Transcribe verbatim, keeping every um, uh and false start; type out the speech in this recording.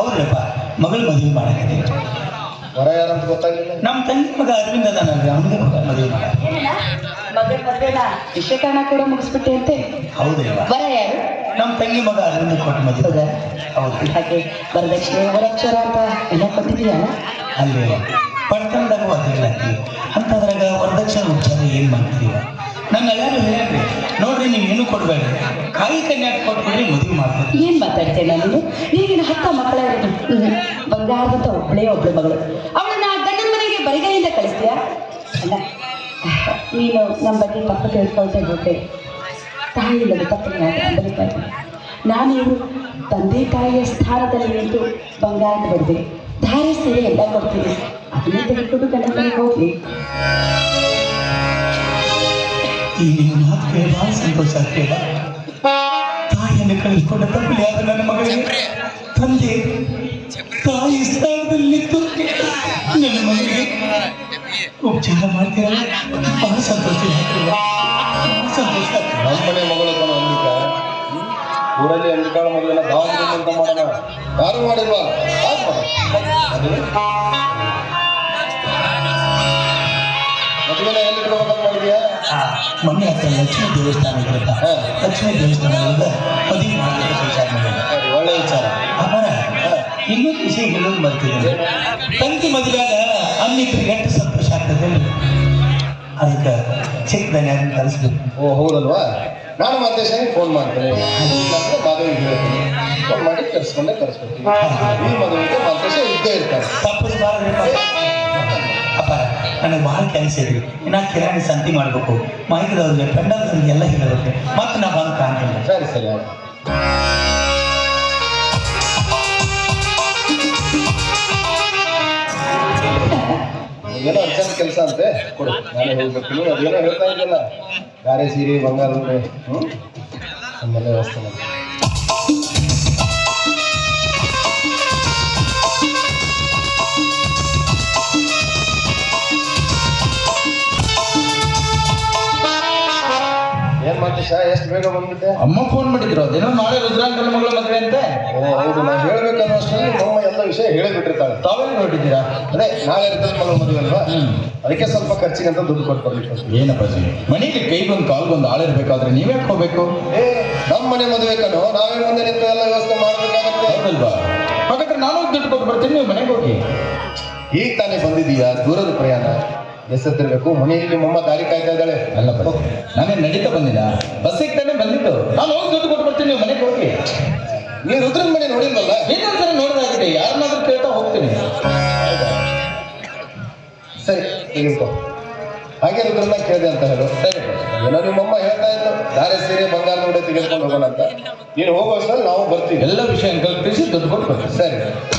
ಹೌದಪ್ಪ, ಮಗಳು ಮದುವೆ ಮಾಡಕ್ಕೆ ಹೊರ ಯಾರಂತ ಗೊತ್ತಾಗಿಲ್ಲ. ನಮ್ಮ ತಂಗಿ ಮಗ ಅರವಿಂದ ಅದಾನಲ್ರಿ, ಅವನಿಗೆ ಮದುವೆ ಮಾಡ ಮಗಳ ಮದ್ವೆನ ವಿಷಯಕಾರಣ ಕೂಡ ಮುಗಿಸ್ಬಿಟ್ಟೆ ಅಂತೆ. ಹೌದಲ್ವಾ? ಬರ ಯಾರು? ನಮ್ಮ ತಂಗಿ ಮಗ ಅರವಿಂದ ಕೊಟ್ಟು ಮದುವೆ. ಹೌದು. ಹಾಗೆ ವರದಕ್ಷಿಣೆ ವರಕ್ಷರ ಅಂತ ಎಲ್ಲ ಕೊಟ್ಟಿದೀಯಲ್ಲ? ಅಲ್ಲಿ ಪಡ್ಕೊಂಡಾಗ ಅದಿಲ್ಲ ಅಂತದ್ರಾಗ ವರದಕ್ಷಿಣೆ ಉಪಚಾರ ಏನು ಮಾಡ್ತೀವ? ನನ್ನ ಎಲ್ಲರೂ ಹೇಳ್ರಿ, ನೋಡ್ರಿ ನೀವು ಏನು ಕೊಡ್ಬೇಡಿ, ಕಾಯಿ ಕನ್ಯಾಕ ಕೊಟ್ಬಿಡ್ರಿ ಮದುವೆ ಮಾಡ್ತೀವಿ. ಏನ್ ಮಾತಾಡ್ತೇನೆ ನೀನು? ನೀಗಿನ ಹತ್ತ ಮಕ್ಕಳ ಬಂಗಾರದಂತ ಒಬ್ಬಳೇ ಒಬ್ಳು ಮಗಳು, ಅವಳನ್ನ ಗಂಡನ ಮನೆಗೆ ಬರಿಗೈಯಿಂದ ಕಳಿಸ್ತೀಯಾ? ಅಲ್ಲ, ನೀನು ನಮ್ಮ ಬಗ್ಗೆ ತಪ್ಪು ತಿಳ್ಕೊಳ್ತಾ ಹೋಗ್ತೆ. ತಾಯಿ ಇಲ್ಲದ ತಪ್ಪನ್ನು ಬರೀತಾ ಇದ್ದೀನಿ. ನಾನೇನು ತಂದೆ ತಾಯಿಯ ಸ್ಥಾನದಲ್ಲಿ ನಿಂತು ಬಂಗಾರದ ಬಡಿದೆ, ಧಾರೆ ಸೀರೆ ಎಲ್ಲ ಕೊಡ್ತೀನಿ, ಅದನ್ನೇ ತೆಗೆದುಕೊಂಡು ಗಂಡನ ಮನೆಗೆ ಹೋಗಿ. ಈ ನಿಮ್ಮ ಮಾತು ಕೇಳಿ ಭಾಳ ಸಂತೋಷ ಆಗ್ತೇವ. ತಾಯಿಯನ್ನು ಕಳಿಸ್ಕೊಂಡ ತಪ್ಪಲಿ ಆದ ನನ್ನ ಮಗಳಿಗೆ ತಂದೆ ತಾಯಿ ಸ್ಥಾನದಲ್ಲಿತ್ತು ನನ್ನ ಮಗಳಿಗೆ ಉಪಚಾರ ಮಾಡ್ತೀರಲ್ಲ, ಬಹಳ ಸಂತೋಷ ಆಗ್ತೇವ. ಸಂತೋಷ ಆಗ್ತದೆ. ನಮ್ಮ ಮನೆ ಮಗಳು ಕೊನ ಅಂದಿಕ ಊರಲ್ಲಿ ಅಂದಿಕಾಳ ಮದುವೆನ ದಾವಣಗೆರೆ ಅಂತ ಮಾಡೋಣ. ಯಾರು ಮಾಡಿಲ್ವಾ? ಮದುವೆನ ಎಲ್ಲಿ ಕೊಡ್ಬೇಕಂತ ಮಾಡಿದ್ಯಾ? ಮನೆ ಹತ್ರ ಲಕ್ಷ್ಮೀ ದೇವಸ್ಥಾನ ಇರುತ್ತ, ಲಕ್ಷ್ಮೀ ದೇವಸ್ಥಾನದಿಂದ ಮದುವೆ ಮಾಡಬೇಕು ವಿಚಾರ ಮಾಡಿದ. ಒಳ್ಳೆ ವಿಚಾರ. ಅವರ ಇನ್ನೊಂದು ವಿಷಯ ಹೇಳೋದು ಬರ್ತಿದೆ. ತಂಗಿ ಮದುವೆಯಾಗ ಅನ್ನಿಬ್ಬರಿಗೆ ಎಷ್ಟು ಸಂತೋಷ ಆಗ್ತದೆ, ಅದಕ್ಕೆ ಚಿಕ್ಕದನ್ನ ಕಲಿಸ್ಬೇಕು. ಓ ಹೌದಲ್ವಾ? ನಾನು ಮತ್ತೆ ಫೋನ್ ಮಾಡ್ತೇನೆ, ಮದುವೆಗೆ ಹೇಳ್ತೀನಿ, ಫೋನ್ ಮಾಡಿ ಕರ್ಸ್ಕೊಂಡೆ ಕರ್ಸ್ಕೊಡ್ತೀನಿ. ಈ ಮದುವೆಗೆ ಮಾತೇಶ ಇದ್ದೇ ಇರ್ತಾರೆ. ತಪ್ಪಿಸಬಾರ್ದು ಅಪ್ಪ, ನನಗೆ ಭಾಳ ಕೆಲಸ ಇದ್ರಿ. ಇನ್ನು ಕಿರಾಣಿ ಸಂತಿ ಮಾಡಬೇಕು, ಮಾಹಿತಿದವ್ರಿಗೆ ಪೆಂಡಲ್ದವ್ರಿಗೆ ಎಲ್ಲ ಹೇಳಬೇಕು, ಮತ್ತೆ ನಾ ಬಂದು ಕಾಣ್ತೀನಿ. ಸರಿ ಸರಿ ಆಯ್ತು. ಏನೋ ಅರ್ಜೆಂಟ್ ಕೆಲಸ ಅಂತೆ, ಕೊಡು, ನಾನೇ ಹೋಗ್ಬೇಕು. ನೀವು ಅದೇನೋ ಹೇಳ್ತಾ ಇದ್ದಲ್ಲ, ಗಾರೆ ಸೀರೆ ಬಂಗಾರ ಹ್ಞೂ ನಮ್ಮೆಲ್ಲ ವ್ಯವಸ್ಥೆ ಮಾಡಿ. ಏನ್ ಮಾತೇಶ, ಎಷ್ಟು ಬೇಗ ಬಂದ್ಬಿಟ್ಟೆ? ಅಮ್ಮ ಫೋನ್ ಮಾಡಿದ್ರು, ಅದೇನೋ ನಾಳೆ ರುದ್ರಾಂಕನ ಮಗಳ ಮದುವೆ ಅಂತೆ. ಓ ಹೌದು, ನಾನು ಹೇಳ್ಬೇಕನ್ನೋ ಅಷ್ಟರಲ್ಲಿ ನಮ್ಮ ಎಲ್ಲ ವಿಷಯ ಹೇಳಿಬಿಟ್ಟಿರ್ತಾಳೆ. ತಾವೇನು ನೋಡಿದ್ದೀರಾ? ಅದೇ ನಾಳೆ ಇರ್ತದೆ ಮಗಳ ಮದುವೆ ಅಲ್ವಾ, ಅದಕ್ಕೆ ಸ್ವಲ್ಪ ಖರ್ಚಿಗಂತ ದುಡ್ಡು ಕೊಟ್ಟು ಬರ್ಲಿಕ್ಕೆ. ಏನಪ್ಪ ಜಿ, ಮನೆಗೆ ಕೈ ಬಂದು ಕಾಲ್ ಬಂದು ಆಳಿರ್ಬೇಕಾದ್ರೆ ನೀವೇ ಹೋಗ್ಬೇಕು? ಏ ನಮ್ಮ ಮನೆ ಮದುವೆ ಕಣೋ, ನಾವೇ ಮುಂದೆ ನಿಂತು ಎಲ್ಲ ವ್ಯವಸ್ಥೆ ಮಾಡ್ಬೇಕಾಗತ್ತೆ. ಹೌದಲ್ವಾ? ಹಾಗಾದ್ರೆ ನಾನು ದುಡ್ಡು ಕೊಟ್ಟು ಬರ್ತೀನಿ, ನೀವು ಮನೆಗೆ ಹೋಗಿ. ಈಗ ತಾನೇ ಬಂದಿದ್ದೀಯಾ, ದೂರದ ಪ್ರಯಾಣ, ಎಸತ್ತಿರ್ಬೇಕು. ಮನೆಯಲ್ಲಿ ನಿಮ್ಮಮ್ಮ ದಾರಿ ಕಾಯ್ತಾ ಇದ್ದಾಳೆ. ಅಲ್ಲಪ್ಪ, ನಾನೇ ನಡೀತಾ ಬಂದಿಲ್ಲ, ಬಸ್ಸಿಗೆ ತಾನೇ ಬಂದಿತ್ತು. ನಾನು ಹೋಗಿ ದುಡ್ಡು ಕೊಟ್ಟು ಬರ್ತೀನಿ, ನೀವು ಮನೆಗೆ ಹೋಗಿ. ನೀವು ರುದ್ರನ ಮನೆ ನೋಡಿಲ್ವಲ್ಲ? ಇನ್ನೊಂದ್ಸರಿ ನೋಡೋದಾಗಿದೆ, ಯಾರನ್ನಾದ್ರೂ ಕೇಳ್ತಾ ಹೋಗ್ತೀನಿ. ಸರಿ ತೆಗೆದುಕೋ. ಹಾಗೆ ರುದ್ರನ್ನ ಕೇಳಿದೆ ಅಂತ ಹೇಳು. ಸರಿ, ಏನೋ ನಿಮ್ಮಮ್ಮ ಹೇಳ್ತಾ ಇತ್ತು, ಧಾರೆ ಸೀರೆ ಬಂಗಾರ ನೋಡಿ ತೆಗೆದುಕೊಂಡು ಹೋಗೋಣ ಅಂತ. ನೀನು ಹೋಗೋ ಅಷ್ಟರಲ್ಲಿ ನಾವು ಬರ್ತೀವಿ. ಎಲ್ಲ ವಿಷಯ ಕಲ್ಪಿಸಿ ದುಡ್ಡು ಕೊಟ್ಟು ಬರ್ತೀನಿ. ಸರಿ.